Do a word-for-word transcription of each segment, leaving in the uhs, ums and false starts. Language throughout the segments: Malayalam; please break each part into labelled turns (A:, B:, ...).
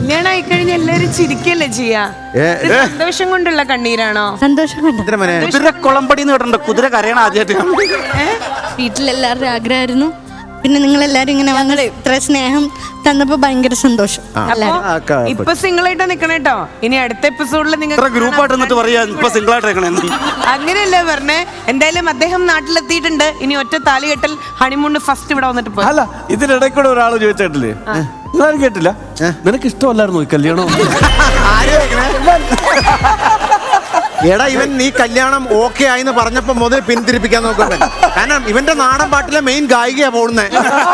A: കല്യാണം ആയിക്കഴിഞ്ഞ എല്ലാരും ചിരിക്കല്ലേ ചെയ്യാ? സന്തോഷം കൊണ്ടുള്ള കണ്ണീരാണോ?
B: സന്തോഷം കൊണ്ട്.
C: കുതിര കുളമ്പടി എന്ന് കേട്ടിട്ടുണ്ട്. കുതിര കരയണ ആദ്യമായിട്ട്.
B: വീട്ടിലെല്ലാവരുടെ ആഗ്രഹമായിരുന്നു. പിന്നെ നിങ്ങളെല്ലാരും ഇങ്ങനെ വന്നത് ഇത്ര സ്നേഹം തന്നപ്പോ ഭയങ്കര സന്തോഷം.
A: ഇപ്പൊ സിംഗിൾ ആയിട്ട് നിക്കണേട്ടോ. ഇനി അടുത്ത എപ്പിസോഡിൽ നിങ്ങൾ
C: ഗ്രൂപ്പായിട്ട് നിന്നിട്ട് പറയാ ഇപ്പൊ സിംഗിൾ ആയിട്ട്
A: അങ്ങനെയല്ലേ പറഞ്ഞേ? എന്തായാലും അദ്ദേഹം നാട്ടിലെത്തിയിട്ടുണ്ട്. ഇനി ഒറ്റ താലി കെട്ടൽ ഹണിമൂണ് ഫസ്റ്റ് ഇവിടെ വന്നിട്ട് പോയി.
D: അല്ല, ഇതിനിടയ്ക്കൂടെ ഒരാൾ ചോദിച്ചിട്ടില്ലേ, നിങ്ങളാരും കേട്ടില്ല, നിനക്ക് ഇഷ്ടമല്ലായിരുന്നു ഈ കല്യാണം?
E: എടാ, ഇവൻ നീ കല്യാണം ഓക്കെ ആയിന്ന് പറഞ്ഞപ്പോ മുതൽ പിന്തിരിപ്പിക്കാൻ നോക്കുമ്പോ, കാരണം ഇവന്റെ നാടൻ പാട്ടിലെ മെയിൻ ഗായികയാ പോകുന്നത്.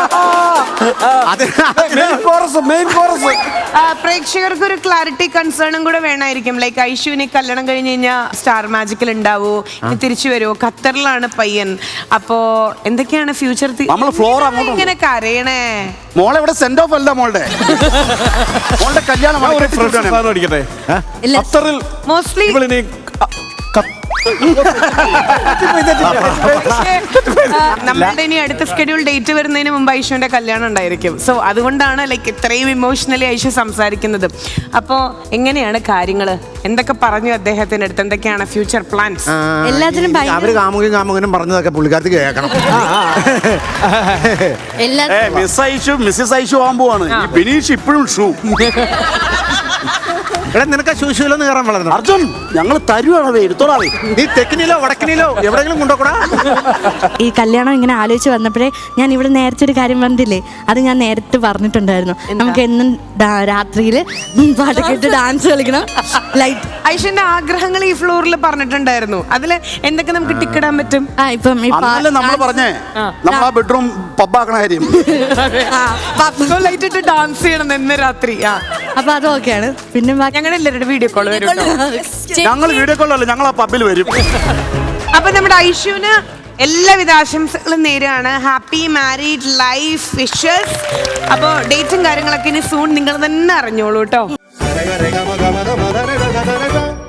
A: പ്രേക്ഷകർക്ക് ഒരു ക്ലാരിറ്റി കൺസേണും കൂടെ വേണമായിരിക്കും. ലൈക്ക് ഐഷുവിനെ കല്യാണം കഴിഞ്ഞ് കഴിഞ്ഞാൽ സ്റ്റാർ മാജിക്കിൽ ഉണ്ടാവോ, തിരിച്ചു വരുമോ? ഖത്തറിലാണ് പയ്യൻ. അപ്പോ എന്തൊക്കെയാണ് ഫ്യൂച്ചർ? ഇങ്ങനെ കരയണേ
C: മോളെ ഇവിടെ സെൻഡ് ഓഫ് അല്ല മോളുടെ മോളുടെ കല്യാണം
A: മോസ്റ്റ്ലി നമ്മളുടെ ഇനി അടുത്ത സ്കെഡ്യൂൾ ഡേറ്റ് വരുന്നതിന് മുമ്പ് ഐഷുവിന്റെ കല്യാണം ഉണ്ടായിരിക്കും. സോ അതുകൊണ്ടാണ് ലൈക്ക് ഇത്രയും ഇമോഷണലി ഐഷു സംസാരിക്കുന്നത്. അപ്പോ എങ്ങനെയാണ് കാര്യങ്ങള്? എന്തൊക്കെ പറഞ്ഞു അദ്ദേഹത്തിന്റെ അടുത്ത്? എന്തൊക്കെയാണ് ഫ്യൂച്ചർ പ്ലാൻസ്?
B: എല്ലാത്തിനും
E: അവര് കാമുകനും കാമുകനും പറഞ്ഞതൊക്കെ പുള്ളിക്കാർക്ക് കേൾക്കണം.
C: മിസ് ഐഷു മിസ്സസ് ഐഷു ആവാൻ പോവാണ്. ബിനീഷ് ഇപ്പോഴും ഷൂ.
E: എടാ, നിനക്ക് ശൂശൂലൊന്ന് കയറാൻ വളർന്നു.
C: അർജുൻ, ഞങ്ങൾ തരുവാണത്, എടുത്തോളാവേ.
E: നീ തെക്കിനിലോ വടക്കിനിലോ എവിടെയെങ്കിലും കൊണ്ടുപോകൂടാ.
B: ഈ കല്യാണം ഇങ്ങനെ ആലോചിച്ച് വന്നപ്പോഴേ ഞാൻ ഇവിടെ നേരത്തെ ഒരു കാര്യം പറഞ്ഞില്ലേ, അത് ഞാൻ നേരത്തെ പറഞ്ഞിട്ടുണ്ടായിരുന്നു. നമുക്ക് എന്നും രാത്രിയിൽ പാട്ട് കേട്ട് ഡാൻസ് കളിക്കണം. ലൈറ്റ്
A: ഐഷന്റെ ആഗ്രഹങ്ങൾ ഈ ഫ്ലോറിൽ പറഞ്ഞിട്ടുണ്ടായിരുന്നു. അതില് എന്തൊക്കെ നമുക്ക് ടിക്കിടാൻ പറ്റും?
B: ആ ഇപ്പം
C: നമ്മൾ പറഞ്ഞേ നമ്മൾ ആ ബെഡ്റൂം പബ്ബാക്കണ കാര്യം.
A: ലൈറ്റ് ഇട്ട് ഡാൻസ് ചെയ്യണം ഇന്ന് രാത്രി.
B: അപ്പൊ അതൊക്കെയാണ്. പിന്നെ
A: ഞങ്ങളുടെ എല്ലാവരുടെ വീഡിയോ കോൾ വരും.
C: ഞങ്ങൾ വീഡിയോ കോളല്ല, ഞങ്ങൾ ആ പബ്ബിൽ വരും.
A: അപ്പൊ നമ്മുടെ ഐഷുവിന് എല്ലാവിധ ആശംസകളും നേരാണ്. Happy married life wishes. അപ്പൊ ഡേറ്റും കാര്യങ്ങളൊക്കെ ഇനി സൂൺ നിങ്ങൾ തന്നെ അറിഞ്ഞോളൂ കേട്ടോ.